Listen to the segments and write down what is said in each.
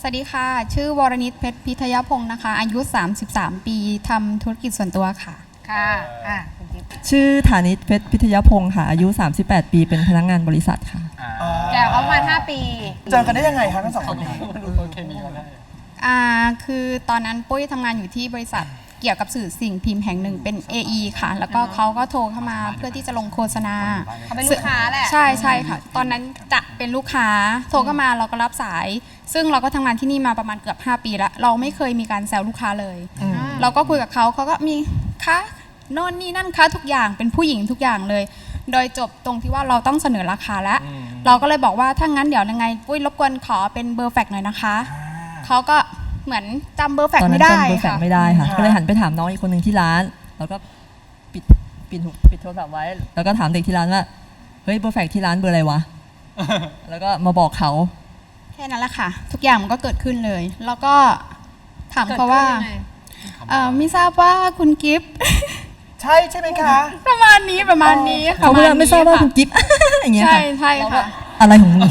วัสดีค่ะชื่อวรณิชเพชรพิทยพงศ์นะคะอายุ33ปีทำธุรกิจส่วนตัวค่ะค่ะคุณจิ๊บชื่อฐานิชเพชรพิทยพงศ์ค่ะอายุ38ปีเป็นพนักงานบริษัทค่ะแก่เขาประมาณ5 ปีเจอกันได้ยังไงคะทั้งสองคนนี้คือตอนนั้นปุ้ยทำงานอยู่ที่บริษัทเกี่ยวกับสื่อสิ่งพิมพ์แห่งหนึ่งเป็น AE ค่ะแล้วก็เขาก็โทรเข้ามาเพื่อที่จะลงโฆษณาเขาเป็นลูกค้าแหละใช่ค่ะตอนนั้นจะเป็นลูกค้าโทรเข้ามาเราก็รับสายซึ่งเราก็ทำงานที่นี่มาประมาณเกือบ5 ปีแล้วเราไม่เคยมีการแซวลูกค้าเลยเราก็คุยกับเขาก็มีคะโน่นนี่นั่นคะทุกอย่างเป็นผู้หญิงทุกอย่างเลยโดยจบตรงที่ว่าเราต้องเสนอราคาแล้วเราก็เลยบอกว่าถ้างั้นเดี๋ยวยังไงปุ้ยรบกวนขอเป็นเบอร์แฟกซ์หน่อยนะคะเขาก็เหมือนจำเบอร์แฟกซ์ไม่ได้ตอนนั้นจำเบอร์แฟกซ์ไม่ได้ค่ะก็เลยหันไปถามน้องอีกคนหนึ่งที่ร้านแล้วก็ปิดโทรศัพท์ไว้แล้วก็ถามเด็กที่ร้านว่าเฮ้ยเบอร์แฟกซ์ที่ร้านเบอร์อะไรวะแล้วก็มาบอกเขาแค่นั้นแหละค่ะทุกอย่างมันก็เกิดขึ้นเลยแล้วก็ถามเขาว่าไม่ทราบว่าคุณกิฟต์ใช่ไหมคะประมาณนี้เขาเพื่อนไม่ทราบว่าคุณกิฟต์อย่างเงี้ยค่ะใช่ค่ะอะไรของมึง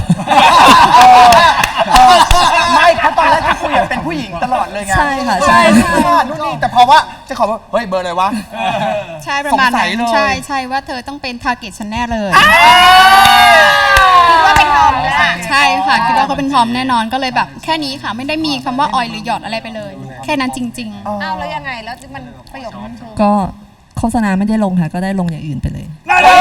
ไม่เพราะตอนแรกที่คุยเป็นผู้หญิงตลอดเลยไงใช่ค่ะใช่นู่นนี่แต่พอว่าจะขอว่าเฮ้ยเบอร์อะไรวะใช่ประมาณนั้นใช่ว่าเธอต้องเป็นทาร์เก็ตฉันแน่เลยคิดว่าเป็นทอมใช่ค่ะคิดว่าเขาเป็นทอมแน่นอนก็เลยแบบแค่นี้ค่ะไม่ได้มีคำว่าออยหรือหยอดอะไรไปเลยแค่นั้นจริงๆแล้วยังไงแล้วมันประโยคนั้นคือก็โฆษณาไม่ได้ลงค่ะก็ได้ลงอย่างอื่นไปเลย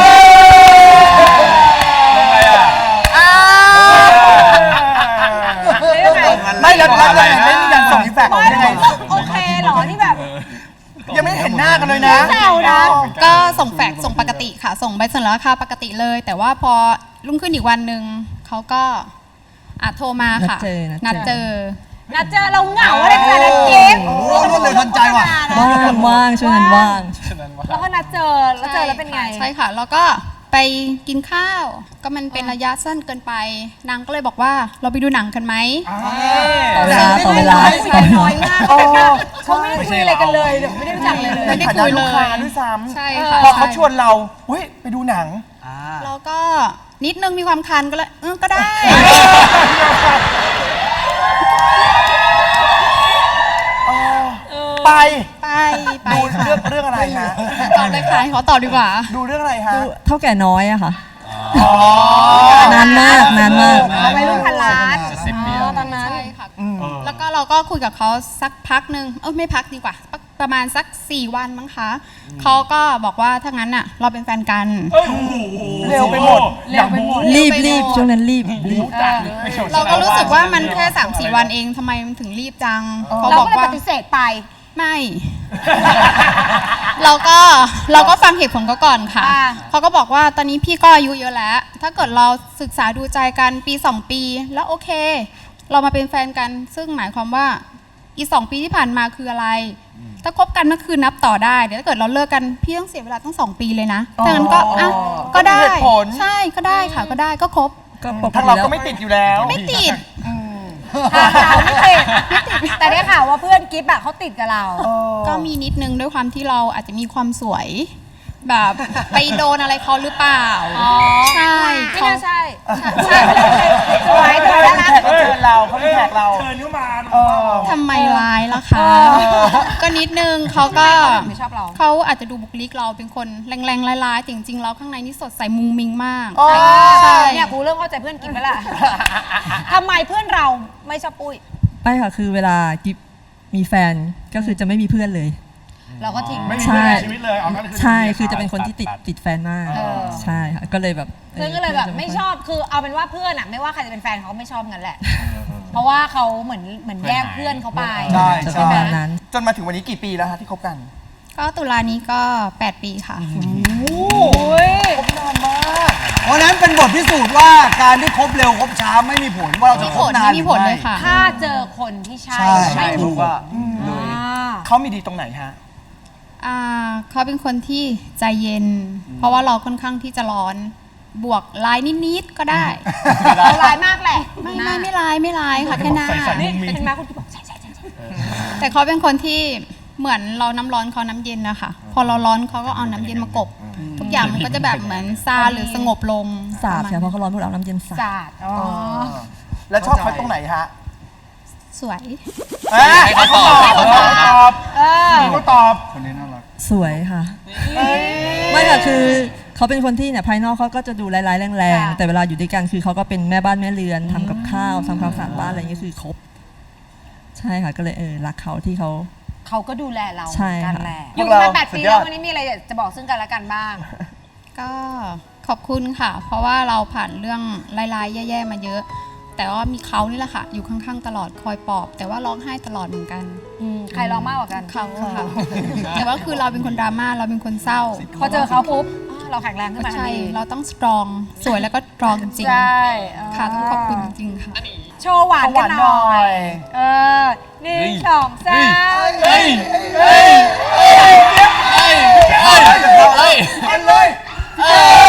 ไม่แล้วไม่มีการส่งอีแฟกซ์ยังไงโอเคหรอที่แบบยังไม่เห็นหน้ากันเลยนะก็ส่งแฟกซ์ส่งปกติค่ะส่งใบเสนอราคาปกติเลยแต่ว่าพอรุ่งขึ้นอีกวันหนึ่งเขาก็โทรมาค่ะนัดเจอเราเหงาอะไรขนาดนั้นเก็บรวดเร็วทันใจว่ะว่างช่วงนั้นว่างแล้วก็นัดเจอแล้วเป็นไงใช่ค่ะแล้วก็ไปกินข้าวก็มันเป็นระยะสั้นเกินไปนางก็เลยบอกว่าเราไปดูหนังกันไหมต่อเวลาน้อยมากเขาไม่ได้คุยอะไรกันเลยไม่ได้รู้จักเลยไม่ได้คุยเลยด้วยซ้ำใช่ค่ะพอเขาชวนเราไปดูหนังเราก็นิดนึงมีความคันก็เลยก็ได้ไปดูเรื่องอะไรฮะตอบเลยค่ะขอตอบดีกว่าดูเรื่องอะไรฮะเท่าแก่น้อยอะค่ะนานมากไปรุ่นพันล้านตอนนั้นค่ะแล้วก็เราก็คุยกับเขาสักพักนึงไม่พักดีกว่าประมาณสัก4 วันมั้งคะเขาก็บอกว่าถ้างั้นอะเราเป็นแฟนกันเร็วไปหมดรีบช่วงนั้นรีบเราก็รู้สึกว่ามันแค่3-4 วันเองทำไมมันถึงรีบจังเขาบอกว่าปฏิเสธไปไม่เราก็ฟังเหตุผลเขาก่อนค่ะเขาก็บอกว่าตอนนี้พี่ก็อายุเยอะแล้วถ้าเกิดเราศึกษาดูใจกันปี2 ปีแล้วโอเคเรามาเป็นแฟนกันซึ่งหมายความว่าอี2 ปีที่ผ่านมาคืออะไรถ้าคบกันก็คือนับต่อได้เดี๋ยวถ้าเกิดเราเลิกกันพี่ต้องเสียเวลาตั้ง2 ปีเลยนะดังนั้นก็ได้ใช่ก็ได้ค่ะก็ได้ก็คบทางเราก็ไม่ติดอยู่แล้วไม่ติดเราไม่ติดแต่ได้ข่าวว่าเพื่อนกิฟต์เขาติดกับเราก็มีนิดนึงด้วยความที่เราอาจจะมีความสวยแบบไปโดนอะไรเขาหรือเปล่าใช่ไม่น่าใช่สวยแต่แล้วนะเขาเชิญเราเขาแขกเราเชิญเข้ามาทำไมร้ายล่ะคะก็นิดนึงเขาก็เขาอาจจะดูบุคลิกเราเป็นคนแรงๆร้ายๆจริงๆเราข้างในนี่สดใสมุงมิงมากใช่เนี่ยกูเริ่มเข้าใจเพื่อนกิฟต์แล้วล่ะทำไมเพื่อนเราไม่ชอบปุ้ยไม่ค่ะคือเวลากิฟมีแฟนก็คือจะไม่มีเพื่อนเลยเราก็ทิ้งไม่มีเพื่อนในชีวิตเลยใช่คือจะเป็นคนที่ติดแฟนมากใช่ค่ะก็เลยแบบเพื่อนก็เลยแบบไม่ชอบคือเอาเป็นว่าเพื่อนไม่ว่าใครจะเป็นแฟนเขาไม่ชอบงั้นแหละเพราะว่าเขาเหมือนแยกเพื่อนเขาไปใช่นั้นจนมาถึงวันนี้กี่ปีแล้วคะที่คบกันก็ตุลานี้ก็8 ปีค่ะโอ้ยคบนานมากเพราะนั้นเป็นบทพิสูจน์ว่าการที่คบเร็วคบช้าไม่มีผลว่าเราจะคบนานไม่มีผลเลยค่ะถ้าเจอคนที่ใช่ใช่ถูกว่าเขามีดีตรงไหนฮะเขาเป็นคนที่ใจเย็นเพราะว่าเราค่อนข้างที่จะร้อนบวกลายนิดๆก็ได้เราลายมากแหละไม่ลายค่ะแค่หน้าเป็นมาคุณที่บอกใช่แต่เขาเป็นคนที่เหมือนเราน้ำร้อนเขาน้ำเย็นนะคะพอเราร้อนเขาก็เอาน้ำเย็นมากบทุกอย่างมันก็จะแบบเหมือนซาหรือสงบลงสาดใช่เพราะเขาร้อนพวกเราน้ำเย็นสาดแล้วชอบเขาตรงไหนฮะสวยให้เขาตอบเออเขาตอบคนนี้น่ารักสวยค่ะ ไม่ค่ะคือเขาเป็นคนที่เนี่ยภายนอกเขาก็จะดูร้ายๆแรงๆแต่เวลาอยู่ด้วยกันคือเขาก็เป็นแม่บ้านแม่เรือนทำกับข้าวทำความสะอาดบ้านอะไรอย่างเงี้ยคือครบ ใช่ค่ะก็เลยรักเขาที่เขาเขาก็ดูแลเราใช่เหมือนกันค่ะแหละอพวยู่กเรามา8 สุปีดยอแล้ดววันนี้มีอะไรอยากจะบอกซึ่งกันและกันบ้างก็ขอบคุณค่ะ เพราะว่าเราผ่านเรื่องร้ายๆแย่ๆมาเยอะ แต่ว่ามีเขานี่แหละค่ะ อยู่ข้างๆตลอดคอยปลอบ แต่ว่าร้องไห้ตลอดเหมือนกันใครร้องมากกว่ากันเขาค่ะ แต่ว่าคือเราเป็นคนดราม่าเราเป็นคนเศร้าพอเจอเขาปุ๊บเราแข็งแรงขึ้นมาทันใช่ทีเราต้องสตรองสวยแล้วก็สตรองจริงใช่ๆค่ะต้องขอบคุณจริงๆค่ะโชว์หวานกันหน่อย เออ1 2 3 เฮ้ยเฮ้ยเฮ้ยเฮ้ยเฮ้ยเอาเลย